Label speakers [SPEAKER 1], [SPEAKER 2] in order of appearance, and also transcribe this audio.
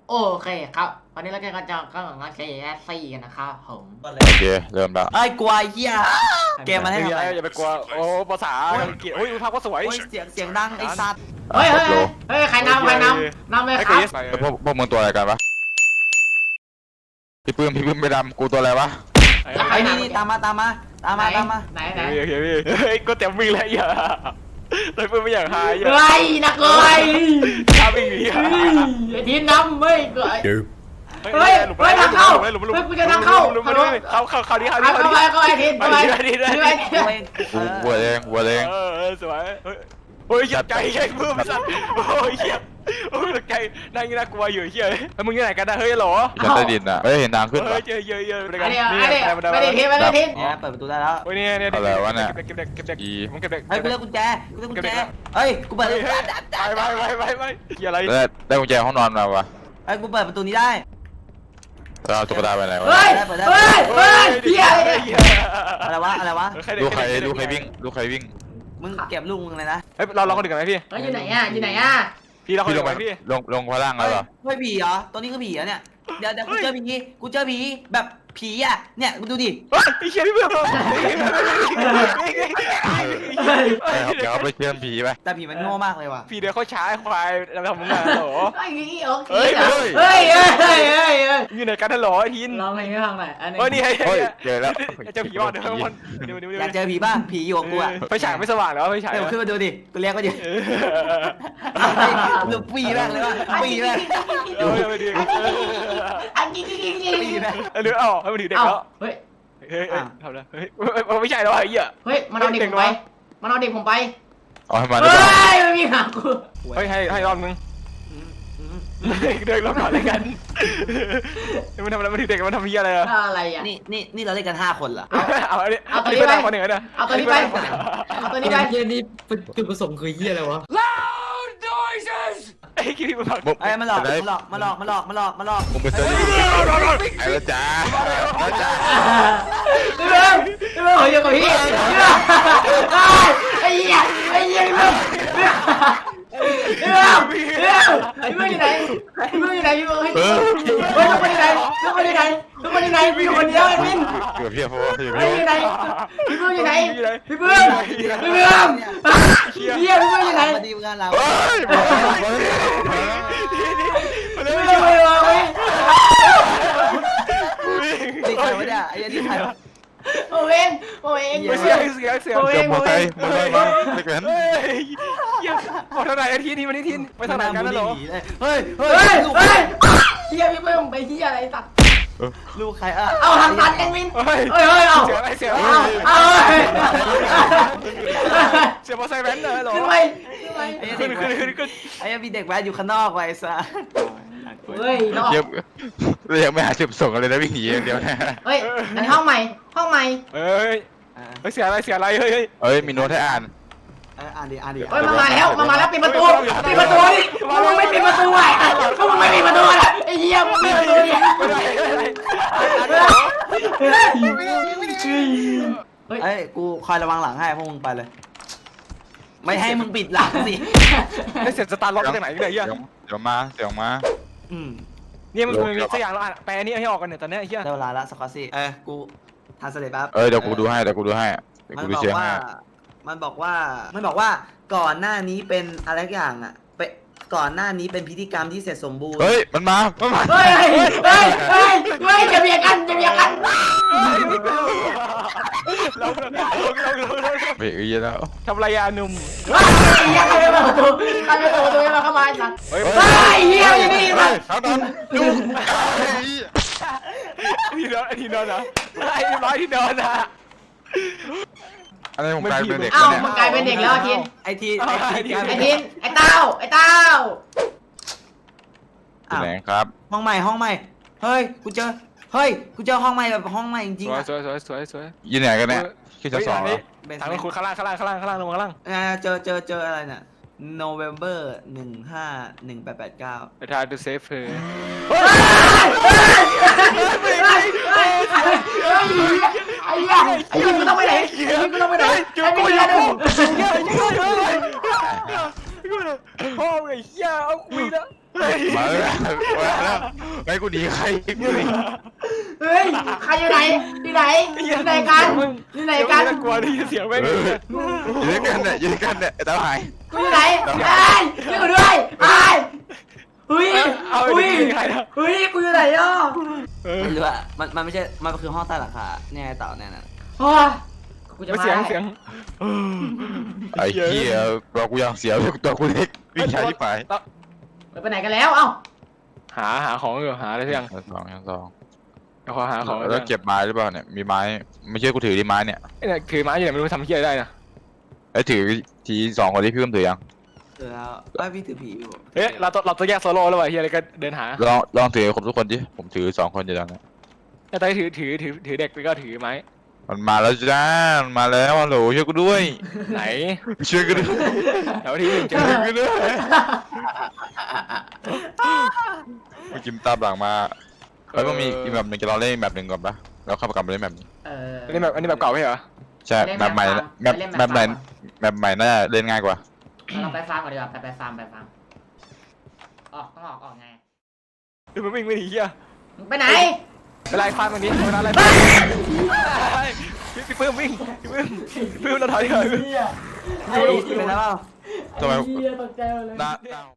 [SPEAKER 1] โอเคครับวันนี้เราจะก็งาน KSC กันนะครับผม
[SPEAKER 2] โอ
[SPEAKER 3] เคเริ่มแล้ว
[SPEAKER 2] ไอ้กวายเฮียเกมมันให้
[SPEAKER 4] ไม่มี
[SPEAKER 2] ทำ
[SPEAKER 4] อะ
[SPEAKER 2] อะไร ไร
[SPEAKER 4] อย่าไปกลัวโอ้ภาษาอังกฤษโอ้ยภาพก็สวย
[SPEAKER 2] โอ้ยเสียงดังไอ้สัตว์
[SPEAKER 1] เฮ้ยใครนำเลย
[SPEAKER 4] ไอ้
[SPEAKER 1] ค
[SPEAKER 4] ค
[SPEAKER 1] รั
[SPEAKER 4] ริ
[SPEAKER 1] บ
[SPEAKER 4] ส
[SPEAKER 3] พวกมึงตัวอะไรกันวะพี่ปื้มไปดำกูตัวอะไรวะ
[SPEAKER 2] ไอ้นี่ตามมา
[SPEAKER 1] ไหน
[SPEAKER 4] โอเคพี่เฮ้ยก็เต็มวิ่งแล้วอย่าแต่เพื่อนไม่อยากหายอย่า
[SPEAKER 1] เฮ้ยนักเลย
[SPEAKER 4] ถ้าวิ่งหนี
[SPEAKER 1] ไอ้ทีมนำเฮ้ยทางเข้า กูจะทางเข้า
[SPEAKER 4] เข้าดี
[SPEAKER 1] เข้าไปไอ้ทีมเข้าไป
[SPEAKER 3] วัวแดง
[SPEAKER 4] สวยโอ้ยใจแข็งเพิ่มสัตว์โอ้ยเหี้ยโอ้ยใจนั่งน่ากลัวอยู่เหี้ยแล้วมึงที่ไหนกันนะเฮ้ยหรอ
[SPEAKER 3] ชั้นใต้ดินอ่ะเฮ้ยเห็นทางขึ้น
[SPEAKER 4] เฮ้
[SPEAKER 3] ปะ
[SPEAKER 4] ยเจอเยอะ
[SPEAKER 1] ไม่ได้ทีม
[SPEAKER 2] เนี่ยเปิดประตูได้แล้ว
[SPEAKER 4] โอ้ยเนี่ยเก็บเด็ก
[SPEAKER 2] เฮ้ยกูเลือกกุญแจเฮ้ยกูเปิด
[SPEAKER 4] ไปเกี่ยอะไร
[SPEAKER 3] ได้กุญแจห้องนอนมาวะ
[SPEAKER 2] เฮ้ยกูเปิดประตูนี้ได้
[SPEAKER 3] เราเอาตุ๊กตาไปไหนวะ
[SPEAKER 1] เฮ้ยเฮีย
[SPEAKER 2] อะไรวะ
[SPEAKER 3] ดูใครวิ่ง
[SPEAKER 2] มึงเก็บลูกมึงเลยนะ
[SPEAKER 4] เฮ้ยเราคนอื่นกันไหมพี่
[SPEAKER 1] เฮ้ยอยู่ไหนอ่ะ
[SPEAKER 4] พี่เราคน
[SPEAKER 3] พี่
[SPEAKER 4] อื่นกันไหมพี่
[SPEAKER 3] ลงพลังแล้วเหรอ
[SPEAKER 2] เฮ้ยผีเหรอตัวนี้คือผีเหรอเนี่ยเดี๋ยวกูเจอผีแบบผีอ่ะเนี่ยกูดูดิ
[SPEAKER 4] ไอ้เชี่ยพี่เพื่อน
[SPEAKER 3] เดี๋ยวเอาไปเชื่อมผีไป
[SPEAKER 2] แต่ผีมันโง่มากเลยว่ะ
[SPEAKER 4] พี่เดี๋ยวเขาช้าควายเราทำมึงอ่ะหรอ
[SPEAKER 1] ไอ้นี่โอเคเฮ้ย
[SPEAKER 4] อยู่ไหนกันหรอไอ้ทิน
[SPEAKER 1] ลองเพลงให้ฟังหน่อยอันนี้
[SPEAKER 4] เฮ้ยนี่
[SPEAKER 3] เฮ้ยเจอแล้ว
[SPEAKER 4] เจ้าผีว่าเดี๋ยวมัน
[SPEAKER 2] อยากเจอผีป่ะผีอยู่กับกูอ่ะ
[SPEAKER 4] ไฟฉายไม่สว่างแล้วไฟฉาย
[SPEAKER 2] เดี๋ยวขึ้นมาดูดิกูเรียกว่าดิลูกปีแม่งเลยว่ะปีแม่ง
[SPEAKER 1] อันนี้
[SPEAKER 2] ปีแม่ง
[SPEAKER 4] หรือให้มันถือเด็กแล้ว
[SPEAKER 1] เฮ้ย
[SPEAKER 4] เฮ้ยทำแล้วเฮ้ยไม่ใช่แล้วไอ้เหี้ย
[SPEAKER 1] เฮ้ยมันเอาเด็กผมไป
[SPEAKER 3] เอาให้มัน
[SPEAKER 1] เฮ้ยไม่มีหากู
[SPEAKER 4] เฮ้ยให้รอบนึงเดินรอบก่อนเลยกันมันทำอะไรมันถือเด็กมันทำเหี้ยอะไรอ่ะ
[SPEAKER 1] อะไรอ่ะ
[SPEAKER 2] นี่เราเล่นกัน5 คนเหรอ
[SPEAKER 4] เอาตัวนี้ไปคนหนึ่งนะ
[SPEAKER 1] เอาตัวนี้ไป
[SPEAKER 5] เฮียนี่จุดประสงค์คือเฮียอะไรวะ
[SPEAKER 4] ไอ้คิดมันผัก
[SPEAKER 2] ไอ้มันหลอก
[SPEAKER 3] มึงไปเจอไอ้ละจ้า
[SPEAKER 1] พี่เบิ้มอยู่กับพี่ไอ้เหี้ยพี่เบิ้มอยู่ไหนพี่เบิ้มให้ทุกคนอยู่ไหนพี่คนเดียวไอ้มิน
[SPEAKER 3] เกือบเพี้ยโฟ
[SPEAKER 1] อยู่ไหนพี่เบิ้มอยู่ไหนพี่เบิ้มเฮียพี่เบิ้มอยู่ไหน
[SPEAKER 2] มาดีงานเรา
[SPEAKER 3] เฮ้ย
[SPEAKER 1] พี่เบิ้มไม่รอเว้ย
[SPEAKER 2] ดีใครวะเนี่ยไอ้ดีใครวะ
[SPEAKER 1] โอ้เอง
[SPEAKER 4] เสีย
[SPEAKER 3] เกือบหมดใจมึงเลยไม่เกิน
[SPEAKER 4] เฮ้ยพอเท่าไหร่อาทิตย์นี้วันนี้ทินไปทางไหนกันแล้วหรอ
[SPEAKER 2] เฮ้ย
[SPEAKER 1] เฮียพี่เบิ้มไปเฮียอะไรสัตว์
[SPEAKER 2] ลูกใครอ่ะ
[SPEAKER 1] เอาทางตันเองมิน
[SPEAKER 4] เฮ้ย
[SPEAKER 1] เอา
[SPEAKER 4] เสียอะไรเสีย
[SPEAKER 1] เอา
[SPEAKER 4] เสียมอไซค์แว้นเลยหรอ
[SPEAKER 1] ขึ้นไป
[SPEAKER 4] ขึ้น
[SPEAKER 2] ไอ้มีเด็กแว้นอยู่ข้างนอกไว้ซะ
[SPEAKER 1] เฮ้ยนอก
[SPEAKER 3] ยังไม่หาจุดส่งอะไรนะวิ่งหนีอย่างเดียวนะ
[SPEAKER 1] เฮ้ยอันนี้ห้องใหม่
[SPEAKER 4] เฮ้ยเสียอะไรเฮ้ย
[SPEAKER 3] เอ้ยมีโน้ตให้อ่าน
[SPEAKER 2] อ่านดิ
[SPEAKER 1] เฮ้ยมาแล้วปิดประตูดิมึงไม่ปิดประตูไอ้มึงไม่ปิดประตูอ่ะไอ้เหี้ยมึงปิดประตูดิ
[SPEAKER 2] เฮ้ยกูคอยระวังหลังให้พวกมึงไปเลยไม่ให้มึงปิดหลังสิ
[SPEAKER 4] ไม่เสร็จสตาร์ล็อกจากไหนเนี่ยเหี้ย
[SPEAKER 3] เดี๋ยวมา
[SPEAKER 4] เนี่ยมันมีสักอย่างแล้วอ่ะแปลนี้ให้ออกกันเนี่ยตอนนี้เหี้ย
[SPEAKER 2] ได้เวลาละสกอตซี่กูทานสเลปแป๊บ
[SPEAKER 3] เดี๋ยวกูดูให้กูดูเชียร์ให้
[SPEAKER 2] มันบอกว่าก่อนหน้านี้เป็นอะไรอย่างอ่ะก่อนหน้านี้เป็นพิธีกรรมที่เสร็จสมบูรณ์
[SPEAKER 3] เฮ้ยมันมา
[SPEAKER 1] เฮ้ยจะเบียดกัน
[SPEAKER 4] เรา
[SPEAKER 3] เบรกอีกแล้ว
[SPEAKER 4] ทำไรยาหนุ่ม
[SPEAKER 1] ไอ้เหี้ยใครเปิดประตูมาเข้ามาไอ้สัตว์เฮ้ยเหี้ยอยู่นี่มา
[SPEAKER 3] ทั้งนั้นดู
[SPEAKER 4] ที่นอนนะไอ้ร้อยที่นอนนะ
[SPEAKER 3] อะไรผมกลายเป็นเด็ก
[SPEAKER 1] เอ้ามันกลายเป็นเด็กแล้วทิน
[SPEAKER 2] ไอที
[SPEAKER 1] ไอ้เต้า
[SPEAKER 3] ไหนครับ
[SPEAKER 2] ห้องใหม่เฮ้ยกูเจอห้องใหม่แบบห้องใหม่จริงๆอ่ะ
[SPEAKER 4] สวย
[SPEAKER 3] ยืนไหนกันเนี่ยขึ้นชั้น 2เหรอ
[SPEAKER 4] ทางคุณข้างล่างลงข้างล่าง
[SPEAKER 2] เจออะไรเนี่ย November 151889
[SPEAKER 4] ไปทายดูเซฟเธอ
[SPEAKER 1] ไอ้เหี้ยกูต้องไปไหน
[SPEAKER 4] พ่อไอ้เหี้ยเอาคุยนะ
[SPEAKER 3] มาแล้วไอ้กูหนีใครกูหนี
[SPEAKER 1] เฮ้ยใครอยู่ไหนอยู่ไหนอยู่ไหนกันอยู่ไหนกัน
[SPEAKER 4] กลัวที่เสียงแม่ง
[SPEAKER 3] ยืนกันเนี่ยยืนกันเนี่ยไอ้ตาหาย
[SPEAKER 1] กูอยู่ไหนไอ้ช่วยกูด้วยไอ้เฮ้ย
[SPEAKER 4] เอา
[SPEAKER 1] เฮ้ย
[SPEAKER 4] ใครนะ
[SPEAKER 1] เฮ้ยกูอยู่ไหนอ่ะ
[SPEAKER 2] ไม่รู้อะมันไม่ใช่มันคือห้องใต้หลังคาเนี่ยไอ้เต่าเนี่ยนะ
[SPEAKER 1] อ๋อกูจะมา
[SPEAKER 4] เสียง
[SPEAKER 3] ไอ้เหี้ยตัวกูยังเสียวตัวกูเล็กวิ่งช้าที่ไป
[SPEAKER 1] ไปไหนกันแล้วเอ้า
[SPEAKER 4] หาของอยู่หาอะไรสักอย่าง
[SPEAKER 3] ยังสอง
[SPEAKER 4] เอาขอหาของ
[SPEAKER 3] แล้วเก็บไม้หรือเปล่าเนี่ยมีไม้ไม่เชื่อกูถือดิไม้เนี่ย
[SPEAKER 4] เนี่ยถือไม้อยู่ไหนไม่รู้ทำเหี้ยได้นะ
[SPEAKER 3] ไอ้ถือทีสองคนที่พี่เพิ่มถือยัง
[SPEAKER 2] เออแล้วไอ้พี่ถือผีอยู่
[SPEAKER 4] เฮ้ยเราต้องแยกโซโล่แล้วว่ะเหี้ยอะไรก็เดินหา
[SPEAKER 3] ลองถือครบทุกคนดิผมถือ2 คนอยู่ตอนนี้
[SPEAKER 4] แต่ตอนถือเด็กแล้วก็ถือไม้
[SPEAKER 3] มันมาแล้วจ้ามันมาแล้วฮัลโหลช่วยกูด้วย
[SPEAKER 4] ไหน
[SPEAKER 3] ช่วยกูด้วย
[SPEAKER 4] แถวที่หนึ่งเจอ
[SPEAKER 3] ช่วยกูด้วยเมื่อกี้ตามหลังมาแล้วก็มีอีกแบบหนึ่งจะลองเล่นแบบหนึ่งก่อนปะแล้วเข้ากลับมาเล่นแบบนี้
[SPEAKER 4] อันนี้แบบเก่าไม่เหรอ
[SPEAKER 3] ใช่แบบใหม่แบบใหม่น่าจะเล่นง่ายกว่า
[SPEAKER 1] เราไปฟาร์มก่อนดีกว่าไปฟาร์มออกต้องออกไง
[SPEAKER 4] ดูมันวิ่งไม่หนีเหี้ย
[SPEAKER 1] มึงไปไหน
[SPEAKER 4] ไปไล่ฟาดมันนี้เวลาไล่พี่ปื้มวิ่งพี่ปื้มเราถอยเถอะ
[SPEAKER 2] ไอ้เป็นแล้วเปล่า
[SPEAKER 3] ทำไม
[SPEAKER 1] เหี้ยตกใจหมดเลย
[SPEAKER 3] หน้า